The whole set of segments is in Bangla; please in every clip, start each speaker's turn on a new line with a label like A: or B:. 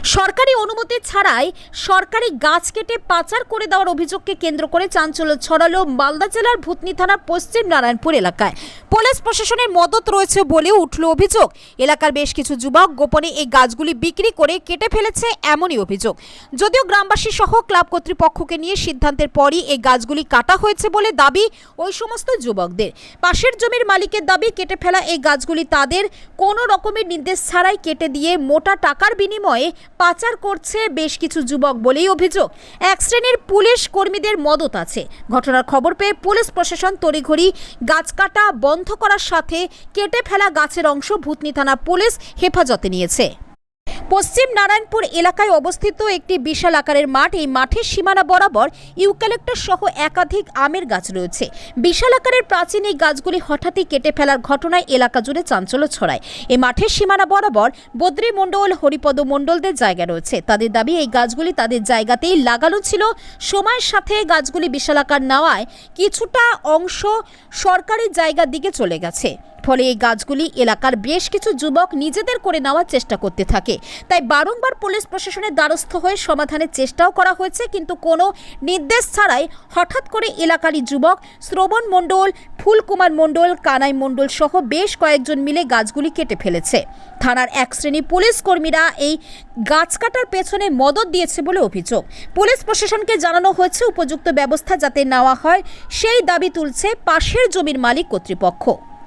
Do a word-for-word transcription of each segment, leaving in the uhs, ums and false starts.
A: সরকারি অনুমতি ছাড়াই সরকারি গাছ কেটে পাচার করে দেওয়ার অভিযোগকে কেন্দ্র করে চাঞ্চল্য ছড়ালো মালদা জেলার ভূতনি থানার পশ্চিম নারায়ণপুর এলাকায়। পুলিশ প্রশাসনের মদত রয়েছে বলে উঠল অভিযোগ। এলাকার বেশ কিছু যুবক গোপনে এই গাছগুলি বিক্রি করে কেটে ফেলেছে, এমনই অভিযোগ। যদিও গ্রামবাসী সহ ক্লাব কর্তৃপক্ষকে নিয়ে সিদ্ধান্তের পরই এই গাছগুলি কাটা হয়েছে বলে দাবি ওই সমস্ত যুবকদের। পাশের জমির মালিকের দাবি, কেটে ফেলা এই গাছগুলি তাদের কোনো রকমের নির্দেশ ছাড়াই কেটে দিয়ে মোটা টাকার বিনিময়ে পাচার করছে বেশ কিছু যুবক বলেই অভিযোগ। এক শ্রেণীর পুলিশ কর্মীদের মদত আছে। ঘটনার খবর পেয়ে পুলিশ প্রশাসন তড়িঘড়ি গাছ কাটা বন্ধ করার সাথে কেটে ফেলা গাছের অংশ ভূতনি থানা পুলিশ হেফাজতে নিয়েছে। পশ্চিম নারায়ণপুর এলাকায় অবস্থিত একটি বিশাল আকারের মাঠ। এই মাঠের সীমানা বরাবর ইউক্যালিপটাস সহ একাধিক আমের গাছ রয়েছে। বিশাল আকারের প্রাচীন এই গাছগুলি হঠাৎই কেটে ফেলার ঘটনায় এলাকা জুড়ে চাঞ্চল্য ছড়ায়। এই মাঠের সীমানা বরাবর বদ্রী মণ্ডল, হরিপদ মণ্ডলদের জায়গা রয়েছে। তাদের দাবি, এই গাছগুলি তাদের জায়গাতেই লাগানো ছিল। সময়ের সাথে গাছগুলি বিশাল আকার নেওয়ায় কিছুটা অংশ সরকারি জায়গার দিকে চলে গেছে। ফলে এই গাছগুলি এলাকার বেশ কিছু যুবক নিজেদের করে নেওয়ার চেষ্টা করতে থাকে। তাই বারংবার পুলিশ প্রশাসনের দ্বারস্থ হয়ে সমাধানের চেষ্টাও করা হয়েছে, কিন্তু কোনো নির্দেশ ছাড়াই হঠাৎ করে এলাকারই যুবক শ্রবণ মণ্ডল, ফুলকুমার মণ্ডল, কানাই মণ্ডল সহ বেশ কয়েকজন মিলে গাছগুলি কেটে ফেলেছে। থানার এক শ্রেণী পুলিশ কর্মীরা এই গাছ কাটার পেছনে মদত দিয়েছে বলে অভিযোগ। পুলিশ প্রশাসনকে জানানো হয়েছে উপযুক্ত ব্যবস্থা যাতে নেওয়া হয়, সেই দাবি তুলছে পাশের জমির মালিক কর্তৃপক্ষ।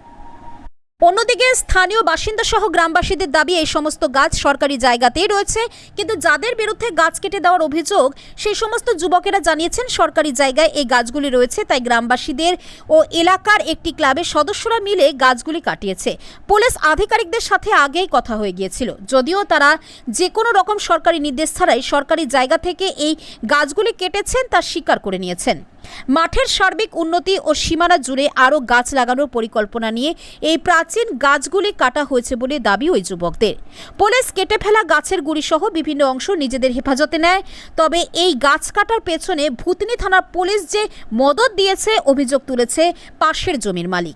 A: অন্যদিকে স্থানীয় বাসিন্দা সহ গ্রামবাসীদের দাবি, এই সমস্ত গাছ সরকারি জায়গাতেই রয়েছে, কিন্তু যাদের বিরুদ্ধে গাছ কেটে দেওয়ার অভিযোগ সেই সমস্ত যুবকেরা জানিয়েছেন সরকারি জায়গায় এই গাছগুলি রয়েছে। তাই গ্রামবাসীদের ও এলাকার একটি ক্লাবের সদস্যরা মিলে গাছগুলি কাটিয়েছে। পুলিশ আধিকারিকদের সাথে আগেই কথা হয়ে গিয়েছিল, যদিও তারা যে কোনো রকম সরকারি নির্দেশ ছাড়াই সরকারি জায়গা থেকে এই গাছগুলি কেটেছেন তা স্বীকার করে নিয়েছেন। মাঠের সার্বিক উন্নতি ও সীমানা জুড়ে আরও গাছ লাগানোর পরিকল্পনা নিয়ে এই প্রাচীন গাছগুলি কাটা হয়েছে বলে দাবি ওই যুবকদের। পুলিশ কেটে ফেলা গাছের গুড়ি সহ বিভিন্ন অংশ নিজেদের হেফাজতে নেয়। তবে এই গাছ কাটার পেছনে ভূতনি থানার পুলিশ যে মদত দিয়েছে অভিযোগ তুলেছে পাশের জমির মালিক।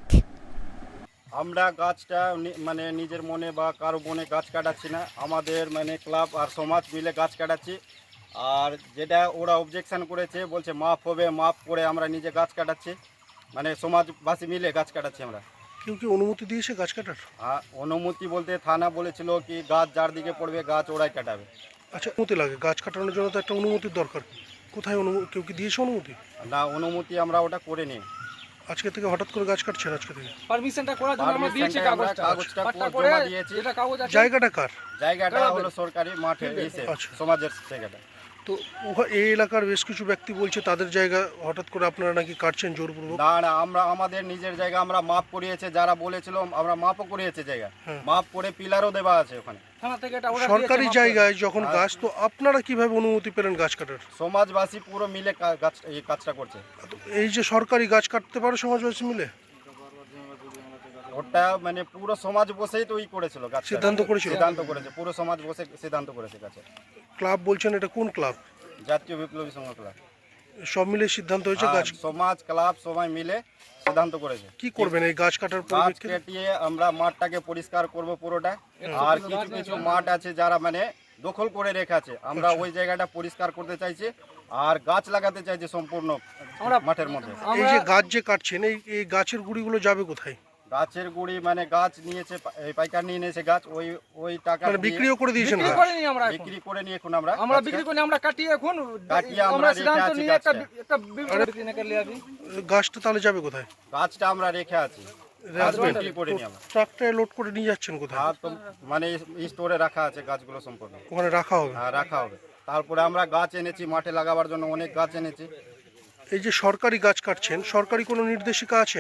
B: আমরা গাছটা মানে নিজের মনে বা কারো মনে গাছ কাটাচ্ছি না, আমাদের মানে ক্লাব আর সমাজ মিলে গাছ কাটাচ্ছি। আর যেটা ওরা অবজেকশন করেছে, বলছে মাপ হবে, মাপ করে আমরা নিজে গাছ কাটাচ্ছি, মানে সমাজবাসী মিলে গাছ কাটাচ্ছি আমরা।
C: কেউ কি অনুমতি দিয়েছে গাছ কাটার?
B: হ্যাঁ, অনুমতি বলতে থানা বলেছিল কি গাছ যার দিকে পড়বে গাছ ওরাই কাটাবে।
C: আচ্ছা, অনুমতি লাগে গাছ কাটানোর জন্য, তো একটা অনুমতির দরকার। কোথায় অনুমতি, কেউ কি দিয়েছে অনুমতি?
B: না, অনুমতি আমরা ওটা করে নিই।
C: আজকে থেকে হঠাৎ করে গাছ কাটছেন? আজকে থেকে
D: পারমিশনটা করার জন্য আমরা দিয়েছি, কাগজটা
B: কাগজটা
D: পাট্টা করে
B: জমা দিয়েছি।
D: যেটা কাগজ আছে।
C: জায়গাটা কার?
B: জায়গাটা হলো সরকারি মাঠে এসে
C: আচ্ছা।
B: সমাজের জায়গাটা।
C: তো উহা- এই এলাকার বেশ কিছু ব্যক্তি বলছে তাদের জায়গা হঠাৎ করে আপনারা নাকি কাটছেন জোরপূর্বক।
B: না না, আমরা আমাদের নিজের জায়গা আমরা মাপ করিয়েছে, যারা বলেছিল আমরা মাপও করিয়েছে জায়গা,
C: হ্যাঁ।
B: মাপ করে পিলারও দেওয়া আছে ওখানে।
D: থানা থেকে এটা ওরা
C: সরকারি
D: দিয়েছে,
C: জায়গায় যখন গাছ, তো আপনারা কিভাবে অনুমতি পেলেন গাছ কাটার?
B: সমাজবাসী পুরো মিলে কা- গাছ এই কাজটা করছে।
C: তো এই যে সরকারি গাছ কাটতে পারে সমাজবাসী মিলে,
B: ওটা মানে পুরো সমাজ বসেই তো ই করেছিল, গাছ
C: সিদ্ধান্ত করেছিল?
B: সিদ্ধান্ত করেছে, পুরো সমাজ বসে সিদ্ধান্ত করেছে গাছে।
C: ক্লাব বলছেন, এটা কোন ক্লাব?
B: জাতীয় বিপ্লবী সংঘ ক্লাব।
C: সব মিলে সিদ্ধান্ত হয়েছে গাছ।
B: আর সমাজ ক্লাব সবাই মিলে সিদ্ধান্ত করেছে।
C: কি করবেন এই গাছ কাটার
B: গাছ
C: পরিপ্রেক্ষিতে?
B: কেটিয়ে আমরা মাঠটাকে পরিষ্কার করব পুরোটা। আর কিছু কিছু মাঠ আছে যারা মানে দখল করে রেখেছে, আমরা ওই জায়গাটা পরিষ্কার করতে চাইছি আর গাছ লাগাতে চাইছি সম্পূর্ণ মাঠের মধ্যে।
C: এই যে গাছ যে কাটছেন, এই এই গাছের গুড়িগুলো যাবে কোথায়?
B: গাছের গুড়ি মানে গাছ নিয়েছে, এই পাইকার নিয়ে নিয়েছে গাছ, ওই ওই টাকা
C: মানে বিক্রিও করে দিয়েছেন?
D: বিক্রি
C: গাছ
D: করে নিই আমরা,
B: বিক্রি করে নিয়ে এখন আমরা
D: আমরা বিক্রি করে নিই, আমরা কাটিয়ে এখন
B: কাটিয়ে আমরা
D: আমরা
B: রেখে
D: সিদ্ধান্ত
B: আছি
D: নিয়ে একটা
B: গাছটা।
D: একটা বিবৃতি নিয়ে করলে আবি
C: গাছটা তাহলে যাবে কোথায়?
B: গাছটা আমরা রেখে আছি, গাছ
C: রাখবেন?
B: বিক্রি করে নিই আমরা।
C: ট্রাকটায় লোড করে নিয়ে যাচ্ছেন কোথায়?
B: আর তো মানে স্টোরে রাখা আছে গাছগুলো সম্পূর্ণ।
C: ওখানে রাখা হবে?
B: হ্যাঁ, রাখা হবে। তারপরে আমরা গাছ এনেছি মাঠে লাগাবার জন্য, অনেক গাছ এনেছি।
C: এই যে সরকারি গাছ কাটছেন, সরকারি কোনো নির্দেশিকা আছে?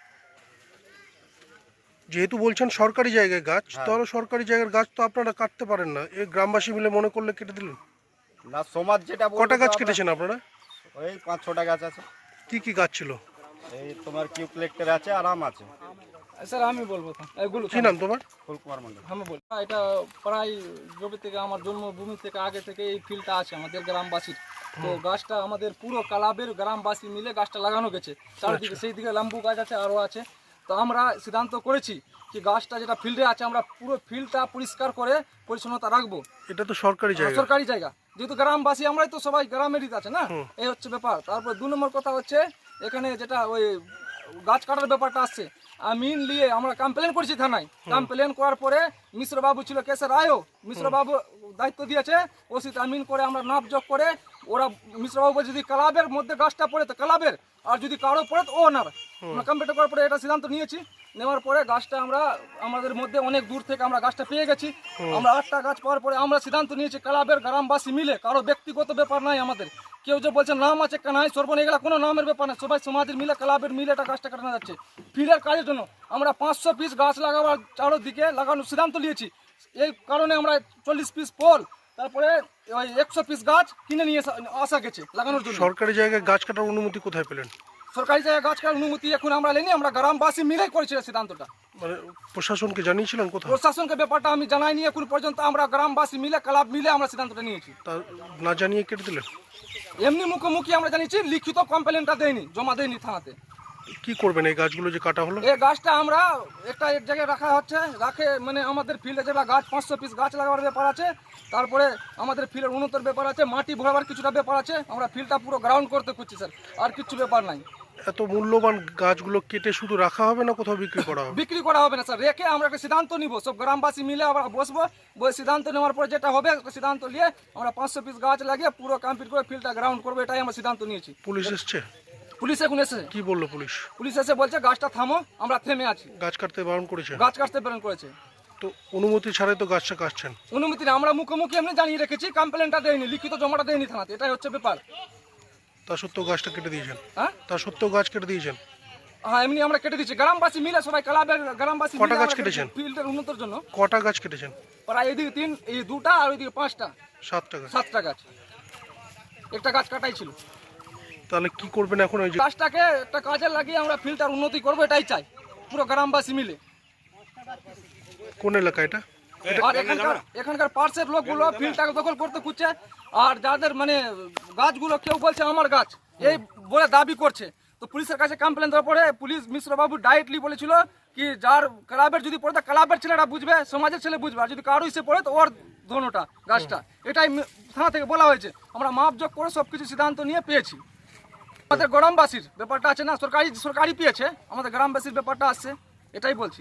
C: যেহেতু বলছেন সরকারি জায়গায় গাছ, তাহলে সরকারি জায়গার গাছ তো আপনারা কাটতে পারেন না। এই গ্রামবাসী মিলে মনে করলে কেটে দিলেন?
B: না, সমাজ যেটা বলবে
C: কটা গাছ
B: তো আমরা-
C: কেটেছেন আপনারা?
B: ওই পাঁচ ছটা গাছ আছে।
C: কি কি গাছ ছিল?
B: এই তোমার কিউক্লেক্টর আছে আর আম আছে।
D: স্যার আমি বলবো তো এগুলো
C: কি নাম তোমার?
B: ফুলকুমার মন্ডল।
D: আমি বল এটা প্রায় জমি থেকে আমার জন্মভূমি থেকে আগে থেকে এই ফিল্ডটা আছে আমাদের গ্রামবাসীর। তো গাছটা আমাদের পুরো ক্লাবের গ্রামবাসী মিলে গাছটা লাগানো গেছে চারদিকে। সেই দিকে লাম্বু গাছ আছে, আরও আছে। তো আমরা সিদ্ধান্ত করেছি কি গাছটা যেটা ফিল্ডে আছে আমরা পুরো ফিল্ডটা পরিষ্কার করে পরিচ্ছন্নতা রাখবো।
C: এটা তো সরকারি জায়গা।
D: সরকারি জায়গা যেহেতু গ্রামবাসী আমরাই তো সবাই গ্রামেরই আছে না, এই হচ্ছে ব্যাপার। তারপর দু নম্বর কথা হচ্ছে এখানে যেটা ওই গাছ কাটার ব্যাপারটা আসছে, আমিন নিয়ে আমরা কমপ্লেন করেছি থানায়। কমপ্লেন করার পরে মিশ্রবাবু ছিল কেসের রায়ও, মিশ্রবাবু দায়িত্ব দিয়েছে ওসিতে আমিন করে আমরা নাপ যোগ করে ওরা মিশ্রবাবু বলছে যদি ক্লাবের মধ্যে গাছটা পড়ে তো ক্লাবের, আর যদি কারো পড়ে তো ওনার। আমরা কমপ্লেন করার পরে এটা সিদ্ধান্ত নিয়েছি। নেওয়ার পরে গাছটা আমরা আমাদের মধ্যে অনেক দূর থেকে আমরা গাছটা পেয়ে গেছি। আমরা আটটা গাছ পাওয়ার পরে আমরা সিদ্ধান্ত নিয়েছি ক্লাবের গ্রামবাসী মিলে, কারো ব্যক্তিগত ব্যাপার নাই আমাদের। কেউ যে বলছে নাম আছে কানাই সর্বন এগুলা কোনো নামের ব্যাপার না, সবাই সমাজের মিলে ক্লাবের মিলে এটা গাছটা কাটানো যাচ্ছে ফিল্ডের কাজের জন্য। আমরা পাঁচশো পিস গাছ লাগাবার চারোদিকে লাগানোর সিদ্ধান্ত নিয়েছি। এই কারণে আমরা চল্লিশ পিস পোল তারপরে ওই একশো পিস গাছ কিনে নিয়ে আসা গেছে লাগানোর জন্য।
C: সরকারি জায়গায় গাছ কাটার অনুমতি কোথায় পেলেন?
D: সরকারি জায়গায় গাছ কাটার অনুমতি এখন আমরা নেইনি, আমরা গ্রামবাসী মিলেই করেছি সিদ্ধান্তটা।
C: মানে প্রশাসনকে জানিয়েছিলেন কোথাও?
D: প্রশাসনকে ব্যাপারটা আমি জানাইনি এখন পর্যন্ত, আমরা গ্রামবাসী মিলে ক্লাব মিলে আমরা সিদ্ধান্তটা নিয়েছি।
C: তা না জানিয়ে কেটে দিলেন?
D: এমনি মুখোমুখি আমরা জানিয়েছি, লিখিত কমপ্লেনটা দেয়নি, জমা দেয়নি থানাতে।
C: কি করবেন এই গাছগুলো যে কাটা হলো?
D: এই গাছটা আমরা একটা এক জায়গায় রাখা হচ্ছে, রাখে মানে আমাদের ফিল্ডে যেটা গাছ পাঁচশো পিস গাছ লাগাবার ব্যাপার আছে, তারপরে আমাদের ফিল্ডের উন্নতর ব্যাপার আছে, মাটি ভরাবার কিছুটা ব্যাপার আছে। আমরা ফিল্ডটা পুরো গ্রাউন্ড করতে করছি স্যার, আর কিছু ব্যাপার নাই।
C: এত মূল্যবান গাছগুলো কেটে শুধু রাখা হবে না কোথাও বিক্রি করা হবে?
D: বিক্রি করা হবে না স্যার, রেখে আমরা একটা সিদ্ধান্ত নিব, সব গ্রামবাসী মিলে আমরা বসবো, বই সিদ্ধান্ত নেওয়ার পর যেটা হবে সিদ্ধান্ত নিয়ে আমরা পাঁচশো পিস গাছ লাগিয়ে পুরো কমপ্লিট করে ফিল্ডটা গ্রাউন্ড করবো, এটাই আমরা সিদ্ধান্ত নিয়েছি।
C: পুলিশ এসছে?
D: পুলিশ এখন এসে
C: কি বললো পুলিশ?
D: পুলিশ এসে বলছে গাছটা থামো, আমরা থেমে আছি।
C: গাছ কাটতে বারণ করেছে?
D: গাছ কাটতে প্রেরণ করেছে।
C: তো অনুমতি ছাড়াই তো গাছটা কাটছেন?
D: অনুমতি না, আমরা মুখোমুখি এমনি জানিয়ে রেখেছি, কমপ্লেনটা দেয়নি, লিখিত জমাটা দেয়নি থানাতে, এটাই হচ্ছে ব্যাপার।
C: তা সত্ত্বেও গাছটা কেটে দিয়েছেন?
D: হ্যাঁ
C: তা সত্ত্বেও গাছ কেটে দিয়েছেন?
D: হ্যাঁ এমনি আমরা কেটে দিচ্ছি, গ্রামবাসী মিলে সবাই ক্লাবের গ্রামবাসী
C: কটা গাছ কেটেছেন?
D: ফিল্ডের উন্নতির জন্য।
C: কটা গাছ কেটেছেন?
D: প্রায় এদিকে তিন, এই দুটা আর ওইদিকে পাঁচটা,
C: সাতটা গাছ।
D: সাতটা গাছ, একটা গাছ কাটাই ছিল।
C: তাহলে কি করবেন এখন? ওই যে
D: গাছটাকে একটা কাজে লাগিয়ে আমরা ফিল্ডটার উন্নতি করবো, এটাই চাই পুরো গ্রামবাসী মিলে।
C: কোন এলাকা এটা?
D: আর এখানকার এখানকার পার্শ্বের লোকগুলো ফিল্ডটাকে দখল করতে খুঁজছে, আর যাদের মানে গাছগুলো কেউ বলছে আমার গাছ এই বলে দাবি করছে। তো পুলিশের কাছে কমপ্লেন দেওয়ার পরে পুলিশ মিশ্রবাবু ডাইরেক্টলি বলেছিল কি যার ক্লাবের যদি পড়ে ক্লাবের ছেলেরা বুঝবে, সমাজের ছেলে বুঝবে, আর যদি কারো এসে পড়ে তো ওর ধনুটা গাছটা, এটাই থানা থেকে বলা হয়েছে। আমরা মাপযোগ করে সব কিছু সিদ্ধান্ত নিয়ে পেয়েছি। আমাদের গ্রামবাসীর ব্যাপারটা আছে না, সরকারি সরকারি পেয়েছে, আমাদের গ্রামবাসীর ব্যাপারটা আসছে, এটাই বলছি।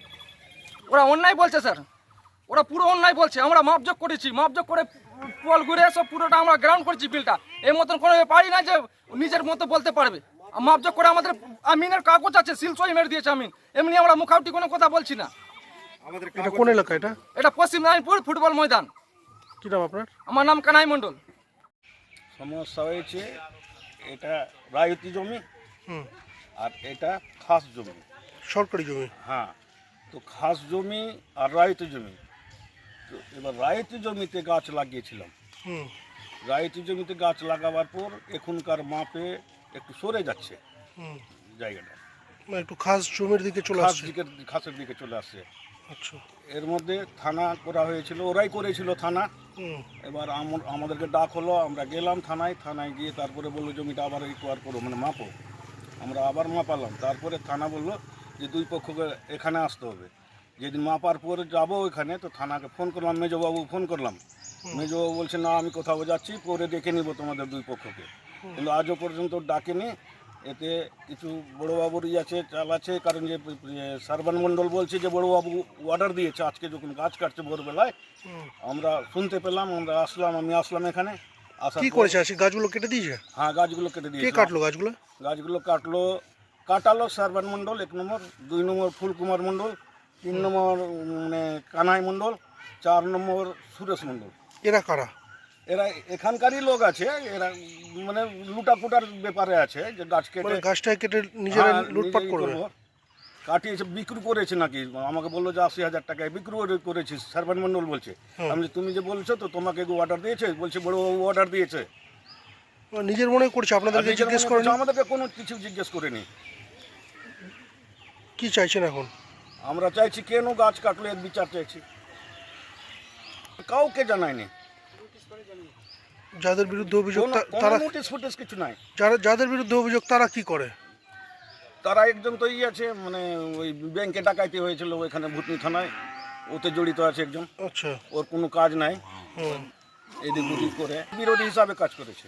D: ওরা অন্যায় বলছে স্যার, ওরা পুরো অন্যায় বলছে। আমরা মাপযোগ করেছি, মাপযোগ করে পোল ঘুরে সব পুরোটা আমরা গ্রাউন্ড করেছি ফিল্ডটা। এই মতন কোনো পারি না যে নিজের মতো বলতে পারবে। মাপযোগ করে আমাদের আমিনের কাগজ আছে, সিল সই মেরে দিয়েছে আমিন, এমনি আমরা মুখাউটি কোনো কথা বলছি না।
C: এটা কোন এলাকা এটা?
D: এটা পশ্চিম নারায়ণপুর ফুটবল ময়দান।
C: কি নাম আপনার?
D: আমার নাম কানাই মণ্ডল।
E: সমস্যা হয়েছে, এটা রায়তি জমি
C: হুম।
E: আর এটা খাস জমি।
C: সরকারি জমি?
E: হ্যাঁ, তো খাস জমি আর রায়তি জমি। তো এবার রায়তি জমিতে গাছ লাগিয়েছিলাম।
C: হুম।
E: রায়তি জমিতে গাছ লাগাবার পর এখনকার মাপে একটু সরে যাচ্ছে
C: হুম।
E: জায়গাটা,
C: মানে একটু খাস জমির দিকে চলে
E: খাস
C: আসছে?
E: দিকে খাসের দিকে চলে আসছে।
C: আচ্ছা।
E: এর মধ্যে থানা করা হয়েছিল, ওরাই করেছিল থানা।
C: হুম।
E: এবার আম- আমাদেরকে ডাক হলো, আমরা গেলাম থানায়। থানায় গিয়ে তারপরে বললো জমিটা আবার রিকোয়ার করো, মানে মাপো। আমরা আবার মাপালাম। তারপরে থানা বললো যে দুই পক্ষকে এখানে আসতে হবে। যেদিন মাপার পরে যাবো ওইখানে, তো থানাকে ফোন করলাম, মেজবাবু ফোন করলাম। মেজবাবু বলছে না আমি কোথাও যাচ্ছি, পরে দেখে নিব তোমাদের দুই পক্ষকে। কিন্তু আজও পর্যন্ত ডাকেনি। এতে কিছু বড়োবাবুরই আছে, চাল আছে, কারণ যে সার্বান মণ্ডল বলছে যে বড়োবাবু অর্ডার দিয়েছে আজকে যখন গাছ কাটছে ভোরবেলায়, আমরা শুনতে পেলাম, আমরা আসলাম, আমি আসলাম এখানে। আসার
C: কি
E: পর-
C: করেছে? আসি গাছগুলো কেটে দিয়েছে?
E: হ্যাঁ, গাছগুলো কেটে
C: কে
E: দিয়েছে।
C: কাটলো গাছগুলো?
E: গাছগুলো কাটলো কাটালো সার্বান মণ্ডল এক নম্বর, দুই নম্বর ফুলকুমার মণ্ডল, তিন নম্বর মানে কানাই মণ্ডল, চার নম্বর সুরেশ মণ্ডল।
C: এরা কারা?
E: এরা এখানকারই লোক আছে, এরা মানে লুটাপুটার ব্যাপারে আছে, যে গাছ কেটে
C: মানে গাছটাকে কেটে নিজেরা
E: হ্যাঁ,
C: লুটপাট
E: নিজেই
C: করবে?
E: করবো। কাটিয়েছে, বিক্রি করেছে নাকি, আমাকে বললো যে আশি হাজার টাকায় বিক্রি করে- করেছিস। সার্বান মণ্ডল বলছে। আমি বলছি, তুমি যে বলছো তো তোমাকে অর্ডার দিয়েছে? বলছে বড় অর্ডার দিয়েছে।
C: মানে নিজের মনে করছে,
E: আর
C: আপনাদেরকে
E: নিজের
C: জিজ্ঞেস
E: মনে
C: করেন?
E: করছে, আমাদেরকে কোনো কিছু জিজ্ঞেস করেনি।
C: কি চাইছেন এখন?
E: আমরা চাইছি কেন গাছ কাটলো এর বিচার চাইছি। কাউকে জানায়নি,
C: যাদের বিরুদ্ধে অভিযোগ
E: কোনো
C: তা- তারা
E: নোটিশ ফুটিস কিছু নাই।
C: যারা যাদের বিরুদ্ধে অভিযোগ তারা কি করে?
E: তারা একজন তো ই আছে, মানে ওই ব্যাংকে ডাকাইতে হয়েছিল ওইখানে ভুতনি থানায়, ওতে জড়িত আছে একজন।
C: আচ্ছা।
E: ওর কোনো কাজ নাই,
C: হুম।
E: এদিক ওদিক করে বিরোধী হিসাবে কাজ করেছে।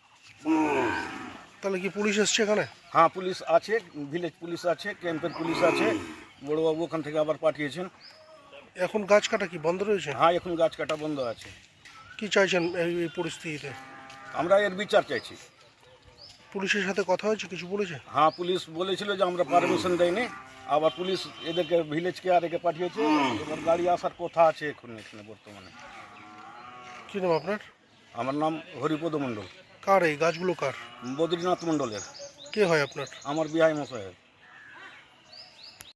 C: তাহলে কি পুলিশ এসছে এখানে?
E: হ্যাঁ, পুলিশ আছে, ভিলেজ পুলিশ আছে, ক্যাম্পের পুলিশ আছে, বড়োবাবু ওখান থেকে আবার পাঠিয়েছেন।
C: এখন গাছ কাটা কি বন্ধ রয়েছে?
E: হ্যাঁ, এখন গাছ কাটা বন্ধ আছে।
C: কি চাইছেন এই এই পরিস্থিতিতে?
E: আমরা এর বিচার চাইছি।
C: পুলিশের সাথে কথা হয়েছে, কিছু বলেছে?
E: হ্যাঁ, পুলিশ বলেছিল যে আমরা পারমিশন দেয়নি, আবার পুলিশ এদেরকে ভিলেজকে আর একে পাঠিয়েছে। এবার গাড়ি আসার কথা আছে এখন এখানে বর্তমানে।
C: কি নাম আপনার?
E: আমার নাম হরিপদ মণ্ডল।
C: কার এই গাছগুলো কার?
E: বদ্রীনাথ মণ্ডলের।
C: কে হয় আপনার?
E: আমার বিহাই মশাই।